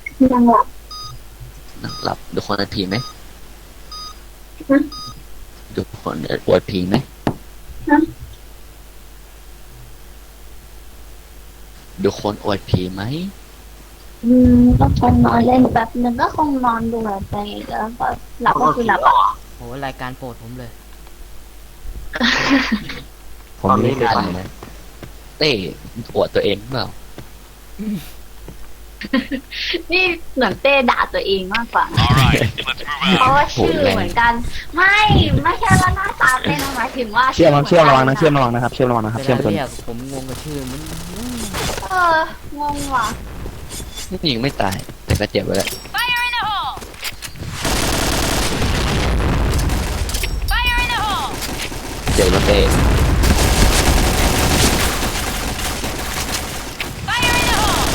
นั่งหลับนั่งหลับดูคนอวดผีไหมฮะดูคนอวดผีไหมฮะดูคนอวดผีไหมก็คงนอนเล่นแป๊บนึงก็คงนอนดูไปแล้วก็หลับก็คือหลับอ่ะโหรายการโปรดผมเลยผมไม่ได้ทำนะเต้อวดตัวเองเปล่านี่เหมือนเต้ด่าตัวเองมากกว่า All right, let's move เพ out. ราะว่าชื่อเหมือนกัน ไม่ใช่ว่าหน้าตาเต้นะหมายถึงว่าเชื่อมระวังนะหเชื่มืออนมระวังนะครับเชื่อมระวังนะครับเวเชื่อมลาตัวเรียกผมงงกับชื่อมันงงว่ะยิงไม่ตาย แต่ก็เจ็บไปแล้ว Fire in the hole! Fire in the hole! เจ็บแล้วเต้ Fire in the hole!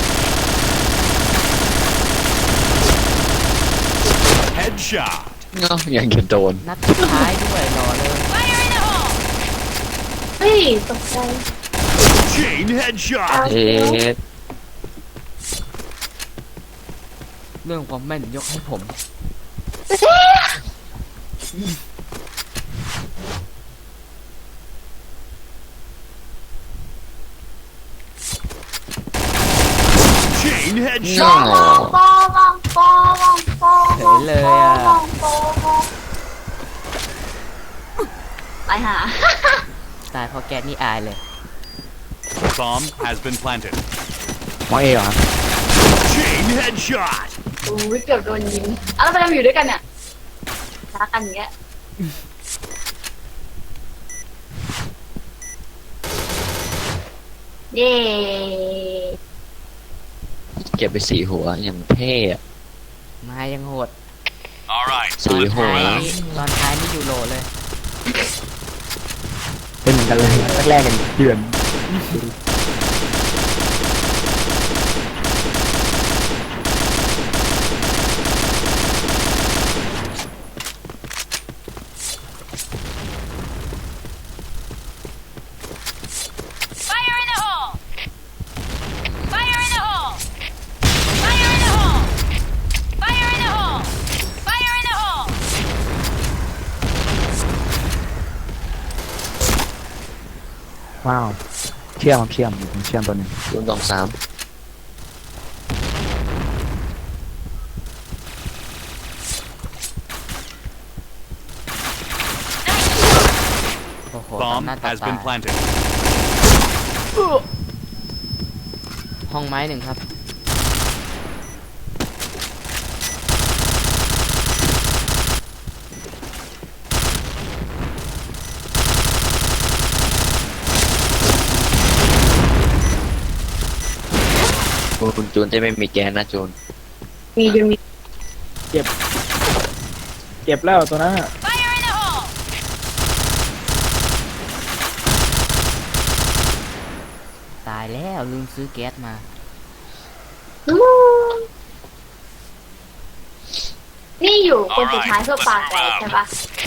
Headshot! เนาะยังจะโดนนัดสุดท้ายด้วยรอเลย Fire in the hole! เฮ้ยตกใจ Chain headshot! เอ๊ะเรื่องความแม่นยกให้ผม Chain เนา headshot! ไปหาตายเพราะแก๊สนี่อายเลย Bomb has been planted. มองเอเหรอ Chain headshot! อุ้ยเกือบโดนยิงแล้วไปทำอยู่ด้วยกันเนี่ยรักกันอย่างเงี้ยเย้เก็บไป4 หัวอย่างเท่อะมายังโหด All right, 4 หัวตอนท้ายนี่อยู่โหลเลยเป็นเหมือนกันเลยแรกๆกันเดือน Fire in the hole! Fire in the hole! Fire in the hole! Fire in the hole! Fire in the hole! ว้าวเชื่อมผมเชื่อมตัวหนึงรุ่นตองสามโอ้โหต่อ Bomb หน้าต่อ has ตา been planted. ห้องไม้หนึ่งครับคุณจูนจะไม่มีแกนนะจูนมีจนมีเก็บแล้วตัวนั้นอะ Fire in the hole! ตายแล้วลืมซื้อแก๊สมานี่อยู่คนสุดท้ายเพื่อปาแตกใช่ปะ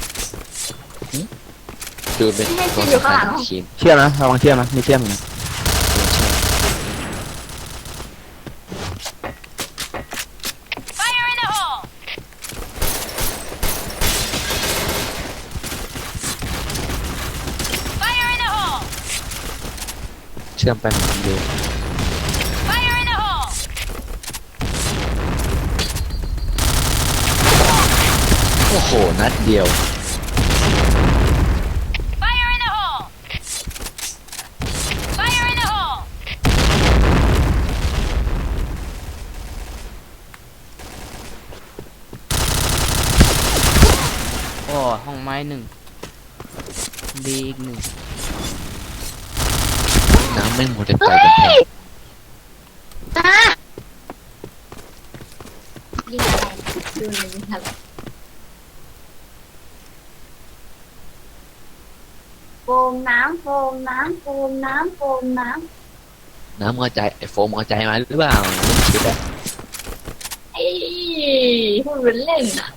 จูนเป็นไม่ใช่ตัวอยู่สำข้างหลัคัญงของทีมเชื่อมนะระวังเชื่อมนะมีเชื่อมอยู่นะ Fire in the hole! เชื่อมไปเหมือนเดิม Fire in the hole! โอ้โหนัดเดียว Fire in the hole! Fire in the hole! โอ้ห้องไม้หนึ่งดีอีกหนึ่งน้ำไม่หมดเลยไปกันแทนอ่ะยิงอะไรดูหน่อยยิงอะไรโฟมน้ำโฟมน้ำโฟมน้ำโฟมน้ำน้ำกระจายไอโฟมกระจายมาหรือเปล่าไม่คิดอะไอ้พูดเป็นเล่นอ่ะ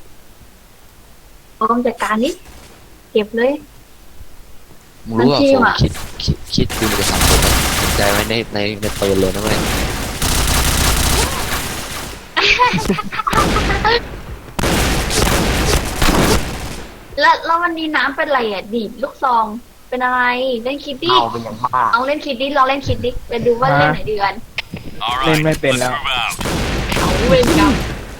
โฟมจัดการนี้เก็บเลยมึงรู้ว่ามันจริโฟงมอะคิดดูจะทำโฟมกระจายไว้ในปืนเลยนะเว้ยแล้ววันนี้น้ำเป็นไรอ่ะดีดลูกซองเป็นอะไรเล่นคิดดิเอาเป็นอย่างบ้าเอาเล่นคิดดิลองเล่นคิดดิไปดูว่าเล่นไหนดีกัน All เล่น right, ไม่เป็น let's แล้ว move out. เอาเว้นกรรม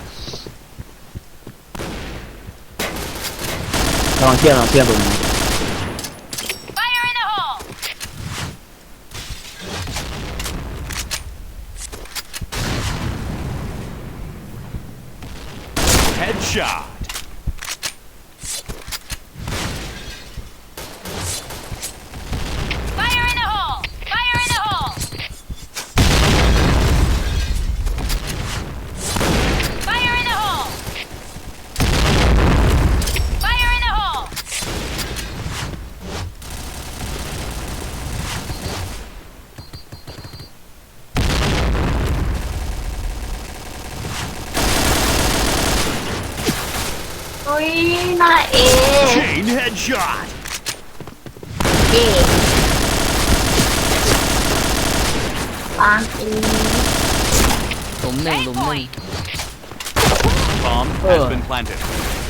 ลองเชื่อมตรงนี้ Fire in the hole! Headshot. Fire in the hole! Fire in the hole! Fire in the hole! Fire in the hole! อุ้ยน่าเอ Chain headshot. เอปางเอหลุมหนึ่งหลุมหนึ่ง Bomb has been planted.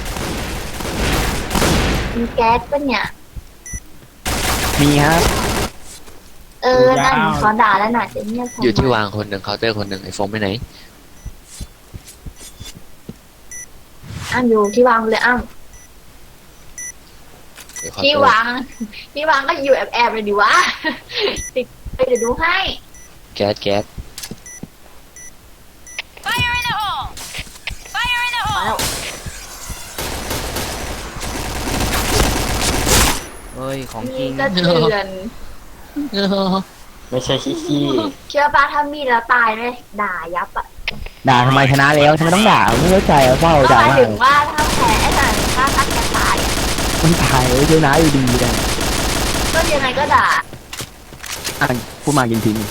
มีแก๊สปะเนี่ยมีครับนั่นเขาด่าแล้วน่ะจะเงียบอยู่ที่วางคนหนึ่งเคาน์เตอร์คนหนึ่งไอ้โฟมไปไหนอ้ำอยู่ที่วางเลยอ้ำเดี๋ยวเคาน์ที่เตอร์วางที่วางก็อยู่แอบเลยดิวะ ติดไปเดี๋ยวดูให้แก๊ส Fire in the hole! Fire in the มา hole! แล้วเฮ้ยของจมีริงกระเทือนไม่ใช่ขี้เชื่อป้าถ้ามีแล้วตายเลยด่ายับอ่ะด่าทำไมชนะแล้วทำไมต้องด่าไม่เข้าใจเฝ้าก็ด่าหมายมากถึงว่าถ้าแพ้แต่ถ้าแกตายอะมันตายชนะอยู่ดีเลยก็ยังไงก็ด่าอ่ะพูดมากินทิ้ง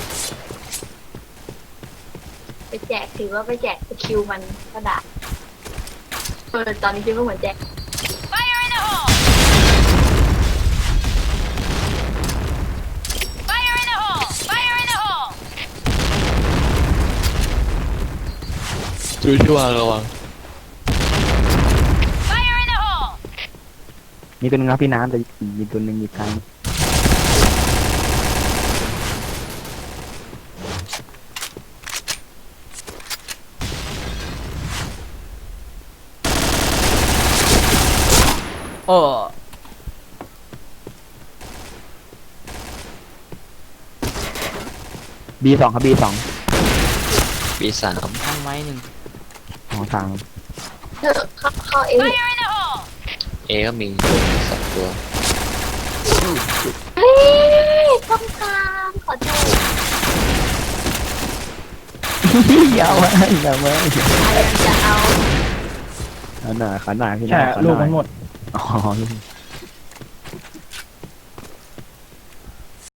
ไปแจกถือว่าไปแจกสกิลมันก็ด่าตอนนี้คิดว่าเหมือนแจก Fire in the hole! Fire in the hole! Fire in the hole! ดูที่วางระวัง Fire in the hole! มีตัวหนึงครับพี่น้ำแต่มีตัวหนึงอีกครั้งโอ้ B2 ครับ B2 B3 ห้องไม้หนึ่งของทางเข้าเอง Fire in the hole! A ก็มีตัวสองตัวเฮ้ยต้องตามขอโทษอย่ามาอย่ามาใครจะเอาขนาดพี่แค่น้ำลูกมันหมดอ๋อลูก